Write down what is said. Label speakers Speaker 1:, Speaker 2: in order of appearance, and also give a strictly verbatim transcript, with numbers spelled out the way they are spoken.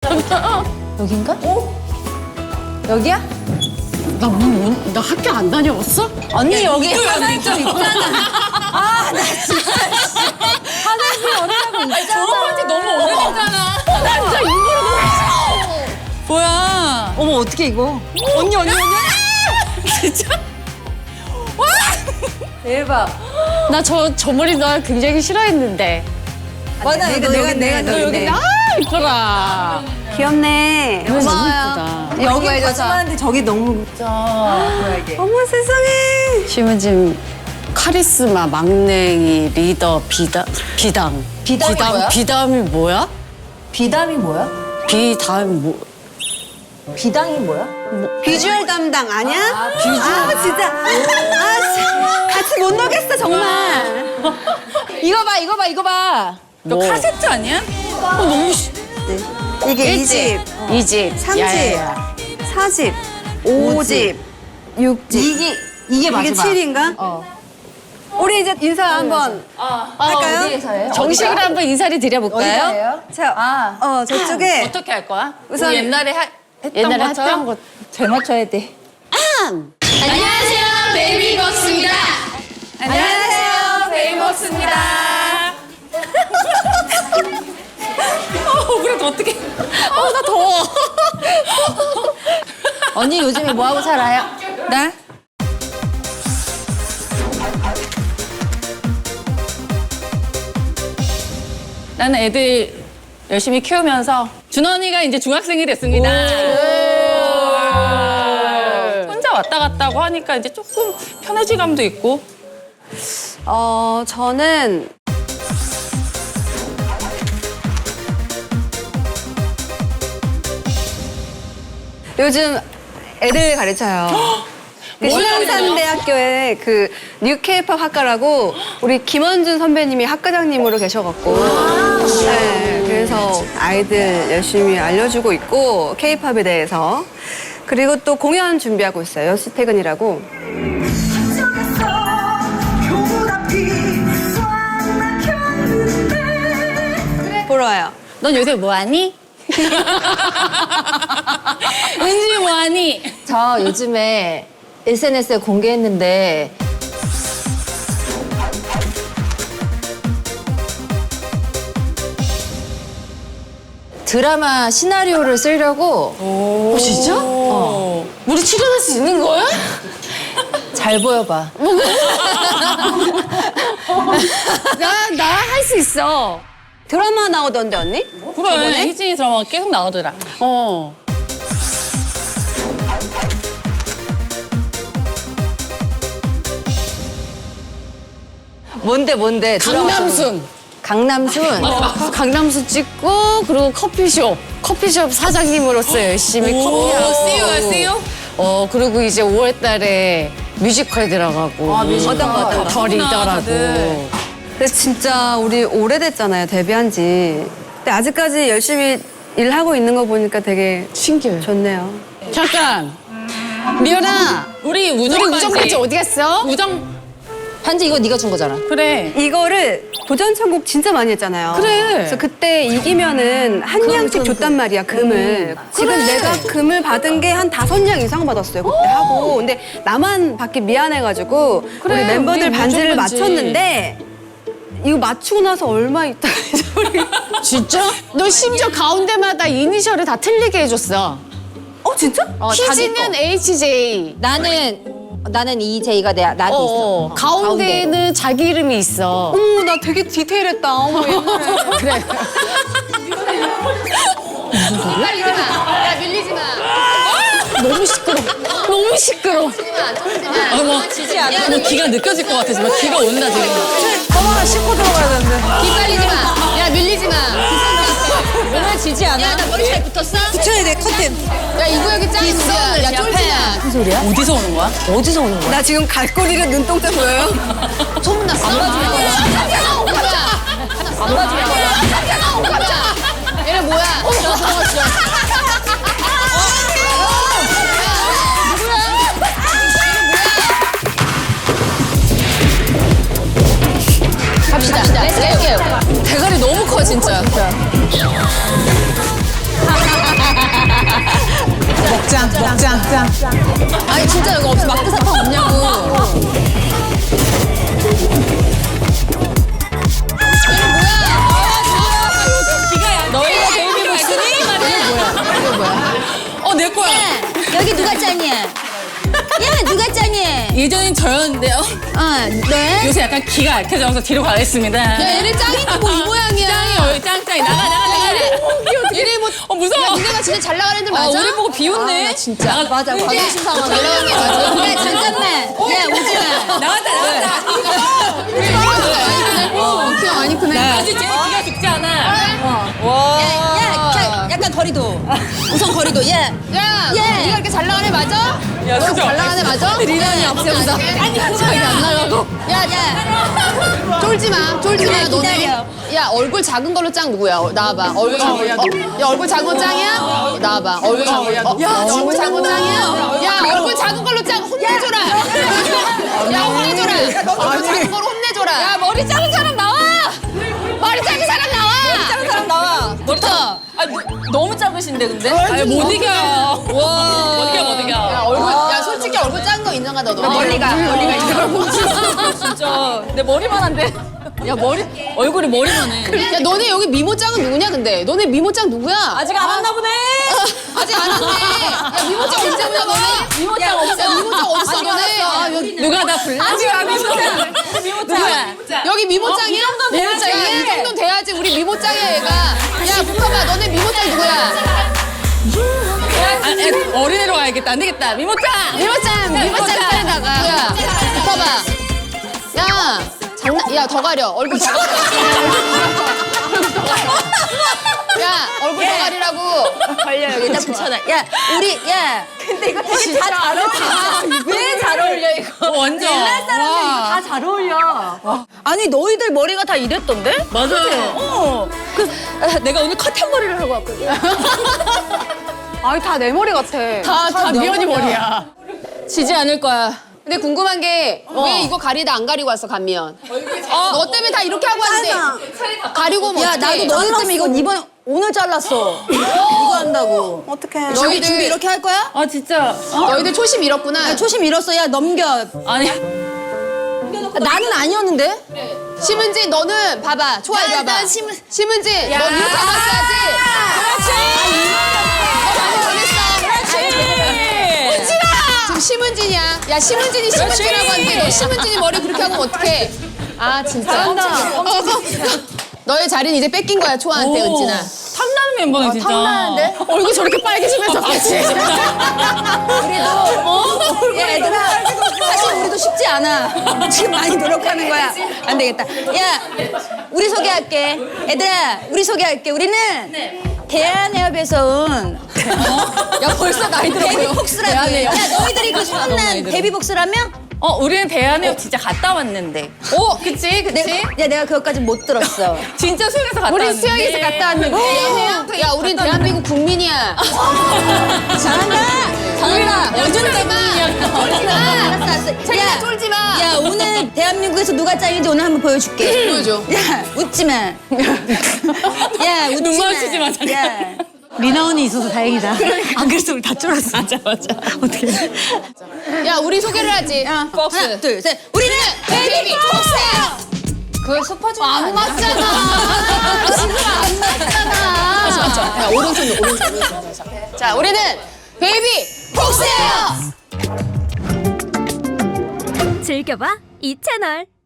Speaker 1: 여긴가? 어? 여기야?
Speaker 2: 나, 뭐, 나 학교 안 다녀봤어?
Speaker 1: 언니 여기 화장실 있잖아. 아, 나 진짜. 화장실 어디라고 있잖아.
Speaker 2: 졸업한 지 너무 오래됐잖아. 나 진짜 일부러 뭐야?
Speaker 1: 어머, 어떻게 이거? 언니, 언니, 언니.
Speaker 2: 진짜?
Speaker 1: 대박.
Speaker 2: 나 저 저 머리 나 굉장히 싫어했는데.
Speaker 1: 맞아, 내가, 내가, 내가
Speaker 2: 너 여기 아 이뻐라.
Speaker 3: 귀엽네.
Speaker 2: 너무
Speaker 3: 고마워요.
Speaker 2: 이쁘다.
Speaker 1: 여기 거짓말하는데 저기 너무.
Speaker 3: 어머 세상에.
Speaker 2: 심은진 카리스마, 막냉이, 리더, 비담, 비담.
Speaker 1: 비담이
Speaker 2: 비담,
Speaker 1: 뭐야?
Speaker 2: 비담이 뭐야?
Speaker 1: 비담이 뭐야?
Speaker 2: 비담 뭐?
Speaker 1: 비당이 뭐야?
Speaker 3: 비주얼 담당 아니야?
Speaker 1: 아, 비주얼.
Speaker 3: 아 진짜. 아 씨. 같이 못 놀겠어 정말.
Speaker 1: 이거 봐, 이거 봐, 이거 봐.
Speaker 2: 너
Speaker 1: 뭐?
Speaker 2: 카세트 아니야? 어, 너무 시...
Speaker 3: 이게 이 집,
Speaker 2: 이 집,
Speaker 3: 삼 집,
Speaker 2: 야야야.
Speaker 3: 사 집, 오 집, 육 집.
Speaker 1: 이게, 이게 마지막.
Speaker 3: 이게 칠인가?
Speaker 1: 어.
Speaker 3: 우리 이제 인사 한번 할까요?
Speaker 1: 어디에서 해요?
Speaker 2: 정식으로
Speaker 1: 어디가?
Speaker 2: 한번 인사를 드려볼까요?
Speaker 1: 어디가요?
Speaker 3: 자,
Speaker 1: 아.
Speaker 3: 어 저쪽에
Speaker 2: 어떻게 할 거야?
Speaker 3: 우선
Speaker 2: 우리 옛날에 하, 했던
Speaker 1: 옛날에
Speaker 2: 것처럼?
Speaker 1: 했던 거 잘 맞춰야 돼.
Speaker 2: 안녕하세요, 베이비복스입니다.
Speaker 1: 안녕하세요, 베이복스입니다.
Speaker 2: 어, 그래도 어떻게? 어, 나 더워.
Speaker 1: 언니 요즘에 뭐 하고 살아요?
Speaker 2: 나? 나는 애들 열심히 키우면서 준원이가 이제 중학생이 됐습니다. 혼자 왔다 갔다 하고 하니까 이제 조금 편해지감도 있고.
Speaker 3: 어 저는 요즘 애들 가르쳐요. 그
Speaker 2: 뭘
Speaker 3: 신앙산대학교에 그 뉴케이팝 학과라고 우리 김원준 선배님이 학과장님으로 계셔갖고 네, 그래서 아이들 열심히 알려주고 있고 케이팝에 대해서 그리고 또 공연 준비하고 있어요. 여시 퇴근이라고. 보러 와요.
Speaker 2: 넌 요새 뭐하니? 은지 뭐하니?
Speaker 1: 저 요즘에 에스엔에스에 공개했는데 드라마 시나리오를 쓰려고
Speaker 2: 어, 진짜? 어. 우리 출연할 수 있는 거야?
Speaker 1: 잘 보여봐.
Speaker 2: 나, 나 할 수 있어.
Speaker 3: 드라마 나오던데 언니?
Speaker 2: 그래, 희진이 드라마 계속 나오더라. 어.
Speaker 1: 뭔데 뭔데? 드라마
Speaker 2: 강남순.
Speaker 1: 강남순.
Speaker 2: 어, 강남순 찍고, 그리고 커피숍. 커피숍 사장님으로서 열심히 커피하고. 씨유야, 씨유? 어, 그리고 이제 오월 달에 뮤지컬 들어가고.
Speaker 1: 아, 뮤지컬.
Speaker 3: 어떤 거, 어떤 거?
Speaker 2: 더 리더라고.
Speaker 1: 다들.
Speaker 3: 근데 진짜 우리 오래됐잖아요, 데뷔한 지. 근데 아직까지 열심히 일하고 있는 거 보니까 되게
Speaker 2: 신기해.
Speaker 3: 좋네요.
Speaker 2: 잠깐. 미연아. 우리 우정
Speaker 1: 우리
Speaker 2: 반지
Speaker 1: 우정 반지
Speaker 2: 어디 갔어? 우정.
Speaker 1: 반지 이거 네가 준 거잖아.
Speaker 2: 그래.
Speaker 3: 이거를 도전천국 진짜 많이 했잖아요.
Speaker 2: 그래.
Speaker 3: 그래서 그때 이기면은 한 양씩 줬단 말이야, 금을. 지금
Speaker 2: 그래.
Speaker 3: 내가 금을 받은 게 한 다섯 양 이상 받았어요, 그때 하고. 근데 나만 받기 미안해가지고
Speaker 2: 그래,
Speaker 3: 우리 멤버들
Speaker 2: 우리
Speaker 3: 반지를
Speaker 2: 우정 반지.
Speaker 3: 맞췄는데 이거 맞추고 나서 얼마 있다
Speaker 2: 진짜? 너 심지어 가운데마다 이니셜을 다 틀리게 해줬어.
Speaker 3: 어, 진짜?
Speaker 1: 어, 자기
Speaker 2: 희진은
Speaker 1: 거.
Speaker 2: 에이치제이.
Speaker 1: 나는 나는 이제이가 내 나한테
Speaker 2: 어,
Speaker 1: 있어.
Speaker 2: 가운데에는 자기 이름이 있어.
Speaker 3: 어머, 나 되게 디테일했다. 어머, 옛날에.
Speaker 2: 그래.
Speaker 1: 밀리지 마. 야 밀리지 마.
Speaker 2: 너무 시끄러. 너무 시끄러. 어머,
Speaker 1: 지지 않아.
Speaker 2: 너 기가 느껴질 것 같아. 지금 기가 온다 지금.
Speaker 3: 어머, 씻고 들어가야 되는데.
Speaker 1: 기빨리지 마. 야 밀리지 마. 오늘 지지 않아. 야 나 머리 잘 붙었어?
Speaker 3: 붙여야 돼, 커튼.
Speaker 1: 야 이 구역이 짱 있어. 야 쫄지 마. 무슨 소리야?
Speaker 2: 어디서 오는 거야?
Speaker 1: 어디서 오는 거야?
Speaker 3: 나 지금 갈고리가 눈동자 보여요?
Speaker 1: 소문났어. 안 봐줄 거야. 안 봐줄 거야. 얘네 뭐야? 저 들어갔어. 갑시다. 렛츠 고.
Speaker 2: 대가리 너무 커 진짜.
Speaker 1: 아니 진짜 이거 없어 마크 사탕 없냐고.
Speaker 2: 너희가 베이비 목소리? 이거 뭐야? 어, 내 거야.
Speaker 4: 여기 누가 짱이야? 야, 누가 짱이야?
Speaker 2: 예전엔 저였는데요.
Speaker 4: 어, 네?
Speaker 2: 요새 약간 기가 약해져서 뒤로 가겠습니다.
Speaker 1: 야 얘네 짱인데 뭐 이 모양이야.
Speaker 2: 짱이에요, 짱짱이. 나가, 나가, 나가.
Speaker 1: 얘네 뭐
Speaker 2: 어, 무서워.
Speaker 1: 니네가 진짜 잘 나가는 애들
Speaker 2: 아,
Speaker 1: 맞아?
Speaker 2: 우리 보고 비웃네.
Speaker 1: 아, 나 진짜.
Speaker 2: 나가,
Speaker 4: 맞아, 맞아.
Speaker 1: 자존심 상하게 나가는 게 맞아.
Speaker 4: 야, 잠깐만. 야, 오지 마.
Speaker 2: 나왔다, 나왔다.
Speaker 1: 어, 키가 많이 크네.
Speaker 2: 아직 쟤는 기가 죽지 않아.
Speaker 4: 야, 야, 자, 약간 거리도. 우선 거리도. 야,
Speaker 1: 야,
Speaker 4: 예.
Speaker 1: 네가 이렇게 잘 나가는 애 맞아?
Speaker 2: 야, 진짜.
Speaker 1: 잘 나가는 애 맞아?
Speaker 2: 리나이 없애보자.
Speaker 1: 아니, 자기 안 나가고.
Speaker 4: 야, 야.
Speaker 1: 쫄지 마, 쫄지 마,
Speaker 4: 야,
Speaker 1: 너네.
Speaker 4: 기다려.
Speaker 1: 야, 얼굴 작은 걸로 짱 누구야? 어, 나와봐. 얼굴 작은 거. 야, 야, 얼굴 작은 거 짱이야? 어, 나와봐. 얼굴 작은 거. 어, 야, 얼굴 작은 거 짱이야? 야, 얼굴 작은 걸로 짱 혼내줘라. 야, 혼내줘라. 얼굴 작은 걸로 혼내줘라. 야, 머리 작은 사람 나와. 머리 작은 사람 나와. 머리 작은 사람 나와.
Speaker 2: 멋져. 아, 뭐, 너무 작으신데, 근데? 아니, 못 이겨요. 와. 못 이겨, 못 이겨.
Speaker 1: 야, 얼굴, 야, 솔직히 얼굴 작은 거 인정하다, 너.
Speaker 4: 멀리 가, 멀리 가.
Speaker 2: 진짜. 내 머리만 한데. 야, 머리, 얼굴이 머리만 해.
Speaker 1: 야, 너네 여기 미모짱은 누구냐, 근데? 너네 미모짱 누구야?
Speaker 2: 아직 안 왔나 보네.
Speaker 1: 아직 안 왔네. 야, 미모짱 언제 오냐, 너네? 미모짱 없어. 미모짱 어딨어, 너네? 아, 여기,
Speaker 2: 누가 나 불러? 아직 안 왔어. 누구야?
Speaker 1: 여기 미모짱이야?
Speaker 2: 어, 이 정도는
Speaker 1: 야,
Speaker 2: 돼야지.
Speaker 1: 이 정도는 돼야지. 우리 미모짱이야, 얘가. 야, 붙어봐. 너네 미모짱 누구야?
Speaker 2: 아, 애, 어린애로 와야겠다. 안 되겠다. 미모짱!
Speaker 1: 미모짱, 미모짱 빨리 나가. 야, 붙어봐. 야, 장난, 야, 더 가려. 얼굴 더 가려. 야, 얼굴 더 가리라고.
Speaker 4: 걸려, 여기다 붙여놔. 야, 우리, 야. 근데 이거 되게 다 잘 어울려. 왜 잘 어울려, 이거?
Speaker 2: 어, 완전.
Speaker 4: 옛날 사람들 이거 다 잘 어울려. 아니, 너희들 머리가 다 이랬던데?
Speaker 2: 맞아요.
Speaker 4: 어. 그, 아, 내가 오늘 커튼 머리를 하고 왔거든.
Speaker 3: 아니, 다 내 머리 같아.
Speaker 2: 다, 다 미연이 머리야. 지지 않을 거야.
Speaker 1: 근데 궁금한 게 왜 이거 가리다 안 가리고 왔어, 감미연? 어, 너 때문에 다 이렇게 하고 왔는데 가리고 뭐
Speaker 4: 야,
Speaker 1: 어떡해.
Speaker 4: 나도 너희 때문에 이거 이번, 오늘 잘랐어. 이거 한다고.
Speaker 3: 어떡해.
Speaker 4: 준비,
Speaker 1: 너희들-
Speaker 4: 준비 이렇게 할 거야?
Speaker 2: 아, 진짜.
Speaker 1: 너희들 초심 잃었구나.
Speaker 4: 야, 초심 잃었어. 야, 넘겨.
Speaker 2: 아니.
Speaker 4: 나는 아니었는데?
Speaker 1: 심은진, 너는 봐봐. 초아 이리
Speaker 4: 야,
Speaker 1: 와봐.
Speaker 4: 나 심은-
Speaker 1: 심은진, 너 이렇게 왔어야지. 그렇지. 너 많이 변했어. 그렇지. 지금 심은진이야. 야, 심은진이 심은진이라고 하는데 너 심은진이 머리 그렇게 하면 어떡해. 아, 진짜. 너의 자리는 이제 뺏긴 거야, 초아한테, 은진아.
Speaker 2: 탐나는 멤버네, 진짜.
Speaker 4: 탐나는데?
Speaker 1: 얼굴 저렇게 빨개지면서 그렇지.
Speaker 4: 야, 얘들아. 사실 우리도 쉽지 않아. 지금 많이 노력하는 거야. 안 되겠다. 야, 우리 소개할게. 얘들아, 우리 소개할게. 우리는 대한해협에서 온
Speaker 1: 야, 벌써 나이 들어 보여.
Speaker 4: 데뷔복스라고 해. 야, 너희들이 그 소문난 데뷔복스라며?
Speaker 2: 어, 우리는 대한해협 진짜 갔다 왔는데. 오, 그치, 그치?
Speaker 4: 내, 야, 내가 그것까지 못 들었어.
Speaker 2: 진짜 수영에서 갔다
Speaker 1: 우리
Speaker 2: 왔는데.
Speaker 1: 수영에서 갔다 왔는데. 야, 우린 대한민국 국민이야.
Speaker 4: 잘한다.
Speaker 1: 잘한다. 야, 쫄지 마. 쫄지 마.
Speaker 4: 알았어, 알았어.
Speaker 1: 야, 쫄지 마.
Speaker 4: 야, 오늘 대한민국에서 누가 짱인지 오늘 한번 보여줄게.
Speaker 1: 보여줘.
Speaker 4: 야, 웃지 마. 야, 웃지
Speaker 2: 눈
Speaker 4: 마.
Speaker 2: 마주치지 마, 잠깐.
Speaker 4: 야.
Speaker 5: 리나 언니 있어서 다행이다. 안 그랬으면 우리 다 쫄았어. 맞아, 맞아. 어떻게.
Speaker 1: 야, 우리 소개를 하지.
Speaker 4: 박스. 하나, 둘, 셋. 우리는
Speaker 1: 베이비 폭스. 그걸 슈퍼주니어 안 맞잖아. 지금 안 맞잖아. 야, 오른손, 오른손, 오른손. 자, 우리는 베이비 폭스예요.
Speaker 6: 즐겨봐 이 채널.